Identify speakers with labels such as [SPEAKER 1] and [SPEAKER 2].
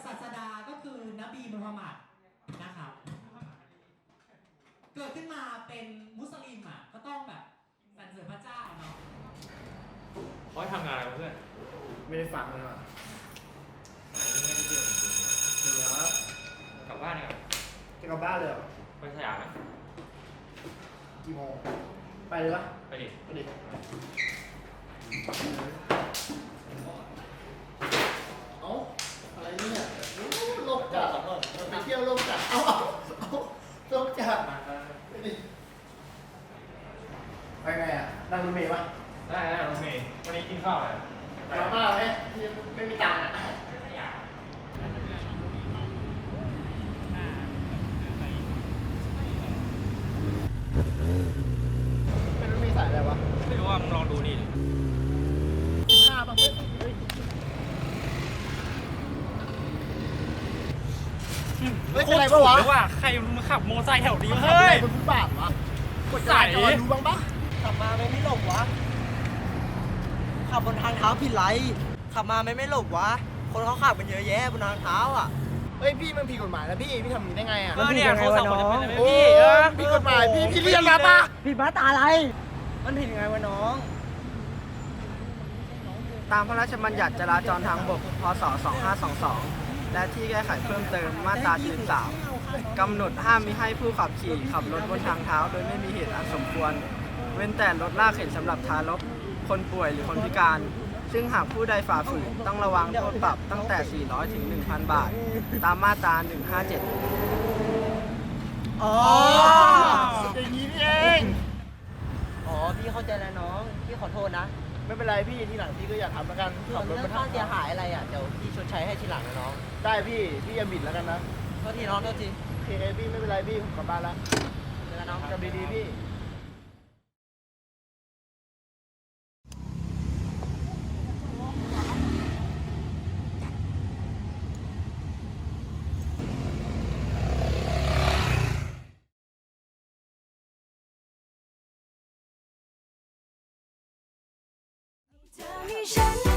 [SPEAKER 1] ศาสดาก็คือนบีมูฮัมหมัดนะครับเกิดขึ้นมาเป็นมุสลิมอ่ะก็ต้องแบบสรรเสริญพระเจ้าเนาะ
[SPEAKER 2] เขาทำงานอะไรเพื่อน
[SPEAKER 3] ไม่ได้ฟังเลยว่ะ
[SPEAKER 2] ไม่ได้เที่ยวจริงๆ
[SPEAKER 3] เหลือก
[SPEAKER 2] ลับบ้านเนี่ย
[SPEAKER 3] จะกลับบ้านเลยเหรอ
[SPEAKER 2] ไปสยามไหม
[SPEAKER 3] กี่โมงไปเลยปะ
[SPEAKER 2] ไปดิ
[SPEAKER 3] ไปดิเอ้าอะไรเนี่ยโลกจัดไปเที่ยวโลกจัดเอาโลกจัดไปดิไปไงอ่ะนั่งรถเมล์ปะ
[SPEAKER 2] ได้รถเมล์วันนี้กินข้าวอะไร
[SPEAKER 3] มาบ้าไหมไม่มีตังค์อ่ะเป็นรถเมล์สายอะไรวะ
[SPEAKER 2] ไม่รู้ว่ามึงลองดูนี่
[SPEAKER 3] 15 บางเว้ยเฮ้ยเป็นไรปะวะ
[SPEAKER 2] ว่าใครมาขับมอเตอร์ไซค์แถวนี้
[SPEAKER 3] เฮ้ยบนฟุตบาทวะกดจ่ายจอดูบ้างปะ
[SPEAKER 4] ขับมาไม่หลบวะขับบนทางเท้าผิดไรขับมาไม่หลบวะคนเขาขับกันเยอะแยะบนทางเท้าอ่ะ
[SPEAKER 3] เฮ้ยพี่มันผิดกฎหมายนะพี่ทำอย่างนี้ได้ไงอ่ะ
[SPEAKER 2] เนี่ยเขาสั่งมาเป็นอะไร
[SPEAKER 3] พี่ผิดกฎหมายพี่เรียนมาปะ
[SPEAKER 4] ผิดมาตาอะไรมันผิดยังไงวะน้องตามพระราชบัญญัติจราจรทางบกพศ2522และที่แก้ไขเพิ่มเติมมาตรา43กำหนดห้ามมิให้ผู้ขับขี่ขับรถบนทางเท้าโดยไม่มีเหตุอันสมควรเว้นแต่รถลากเข็นสำหรับทารกคนป่วยหรือคนพิการซึ่งหากผู้ใดฝ่าฝืนต้องระวังโทษปรับตั้งแต่400ถึง 1,000 บาทตามมาตรา157
[SPEAKER 3] อ๋ออย่างนี้นี่เอง
[SPEAKER 4] อ๋อพี่เข้าใจแล้วน้องพี่ขอโทษนะ
[SPEAKER 3] ไม่เป็นไรพี่ทีหลังพี่ก็อย่าทำแล้วกัน
[SPEAKER 4] ขับรถบนทางเสียหายอะไรอ่ะเดี๋ยวพี่ชดใช้ให้ทีหลังนะน้อง
[SPEAKER 3] ได้พี่อย่าบิดแล้วกันนะ
[SPEAKER 4] โทษทีน้องโทษที
[SPEAKER 3] โอเคพี่ไม่เป็นไรพี่ผมกลับบ้านแล้ว
[SPEAKER 4] เจอกันน้อง
[SPEAKER 3] กลับดีๆพี่
[SPEAKER 5] เธอมีฉัน